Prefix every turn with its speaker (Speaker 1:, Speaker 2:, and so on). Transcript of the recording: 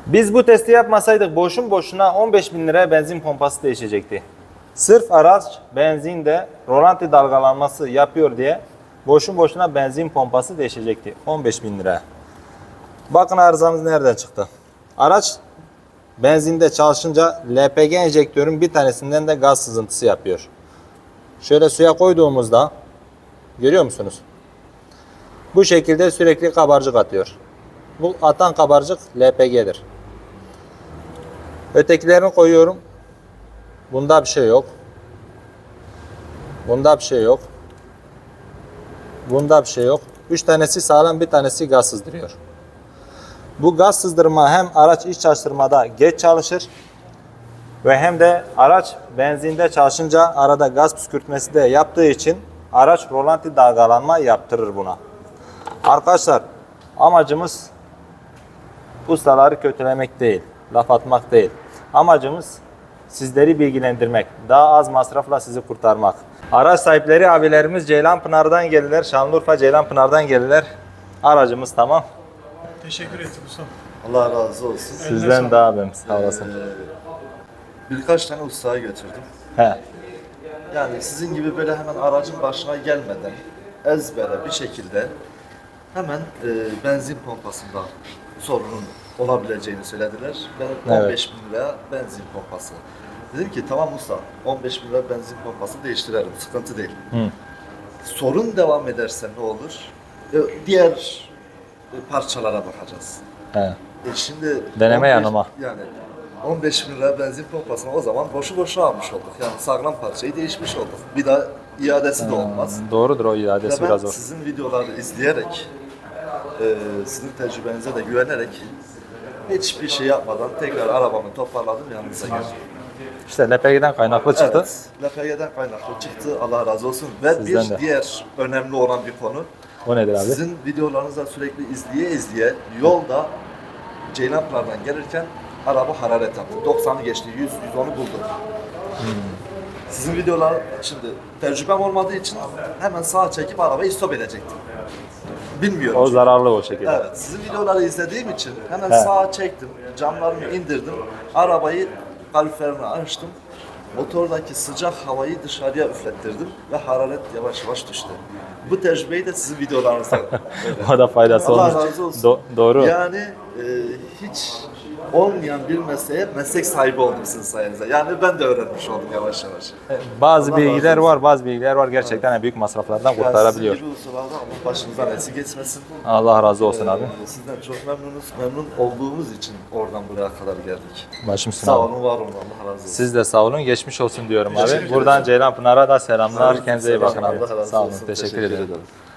Speaker 1: Biz bu testi yapmasaydık boşun boşuna 15.000 liraya benzin pompası değişecekti. Sırf araç benzinde rolanti dalgalanması yapıyor diye boşun boşuna benzin pompası değişecekti. 15.000 liraya. Bakın arızamız nereden çıktı. Araç benzinde çalışınca LPG enjektörün bir tanesinden de gaz sızıntısı yapıyor. Şöyle suya koyduğumuzda görüyor musunuz? Bu şekilde sürekli kabarcık atıyor. Bu atan kabarcık LPG'dir. Ötekilerini koyuyorum. Bunda bir şey yok. Bunda bir şey yok. Bunda bir şey yok. 3 tanesi sağlam, bir tanesi gaz sızdırıyor. Bu gaz sızdırma hem araç iç çalıştırmada geç çalışır ve hem de araç benzinde çalışınca arada gaz püskürtmesi de yaptığı için araç rolanti dalgalanma yaptırır buna. Arkadaşlar amacımız ustaları kötülemek değil, laf atmak değil. Amacımız sizleri bilgilendirmek, daha az masrafla sizi kurtarmak. Araç sahipleri abilerimiz Ceylanpınar'dan gelirler, Şanlıurfa Ceylanpınar'dan gelirler. Aracımız tamam.
Speaker 2: Teşekkür ettim ustam.
Speaker 3: Allah razı olsun.
Speaker 1: Sizden daha abim, sağ olasın.
Speaker 3: Birkaç tane ustaya götürdüm.
Speaker 1: He.
Speaker 3: Yani sizin gibi böyle hemen aracın başına gelmeden ezbere bir şekilde hemen benzin pompasında sorunun olabileceğini söylediler. Ben 15 bin lira benzin pompası. Dedim ki tamam usta 15 bin lira benzin pompası değiştirelim, sıkıntı değil. Sorun devam ederse ne olur? Diğer parçalara bakacağız.
Speaker 1: He.
Speaker 3: Şimdi
Speaker 1: Deneme yanılma.
Speaker 3: Yani 15 bin lira benzin pompasını o zaman boşu boşuna almış olduk. Yani sağlam parçayı değişmiş olduk. Bir daha iadesi de olmaz.
Speaker 1: Doğrudur, o iadesi
Speaker 3: Ve ben
Speaker 1: biraz zor.
Speaker 3: sizin videoları izleyerek, sizin tecrübenize de güvenerek hiçbir şey yapmadan tekrar arabamı toparladım, yanınıza geldim.
Speaker 1: İşte LPG'den kaynaklı çıktı.
Speaker 3: Evet, LPG'den kaynaklı çıktı. Allah razı olsun. Ve
Speaker 1: Sizden de.
Speaker 3: diğer önemli olan bir konu.
Speaker 1: O nedir abi?
Speaker 3: Sizin videolarınızı sürekli izleye yolda Ceylanpınar'dan gelirken araba hararet yaptı. 90'ı geçti, 100'ü buldu. Sizin videolar, şimdi tecrübem olmadığı için hemen sağa çekip arabayı stop edecektim. Bilmiyorum.
Speaker 1: O
Speaker 3: çünkü.
Speaker 1: zararlı o şekilde.
Speaker 3: Evet, sizin videoları izlediğim için hemen sağa çektim, camlarımı indirdim, arabayı kaloriferini açtım, motordaki sıcak havayı dışarıya üflettirdim ve hararet yavaş yavaş düştü. Bu tecrübeyi de sizin videolarınızda.
Speaker 1: O da faydası
Speaker 3: Allah
Speaker 1: olmuş.
Speaker 3: razı olsun.
Speaker 1: Doğru.
Speaker 3: Yani hiç olmayan bir mesleğe meslek sahibi oldum sizin sayenizde. Yani ben de öğrenmiş oldum yavaş yavaş.
Speaker 1: Bazı
Speaker 3: Allah
Speaker 1: bilgiler
Speaker 3: razı
Speaker 1: var, bazı bilgiler var gerçekten büyük masraflardan
Speaker 3: Yani
Speaker 1: kurtarabiliyor.
Speaker 3: sizin gibi ustalardan Allah başınızdan eksik geçmesin.
Speaker 1: Allah razı olsun abi.
Speaker 3: Sizden çok memnunuz. Memnun olduğumuz için oradan buraya kadar geldik.
Speaker 1: Başım üstüne
Speaker 3: Sağ
Speaker 1: abi.
Speaker 3: olun, var olun. Allah razı olsun.
Speaker 1: Siz de sağ olun, geçmiş olsun diyorum
Speaker 3: Teşekkür
Speaker 1: abi.
Speaker 3: ederim.
Speaker 1: Buradan Ceylanpınar'a da selamlar.
Speaker 3: Aleyküm
Speaker 1: Kendinize iyi
Speaker 3: selam.
Speaker 1: bakın abi.
Speaker 3: Allah razı
Speaker 1: Sağ olun,
Speaker 3: olsun.
Speaker 1: teşekkür ederim.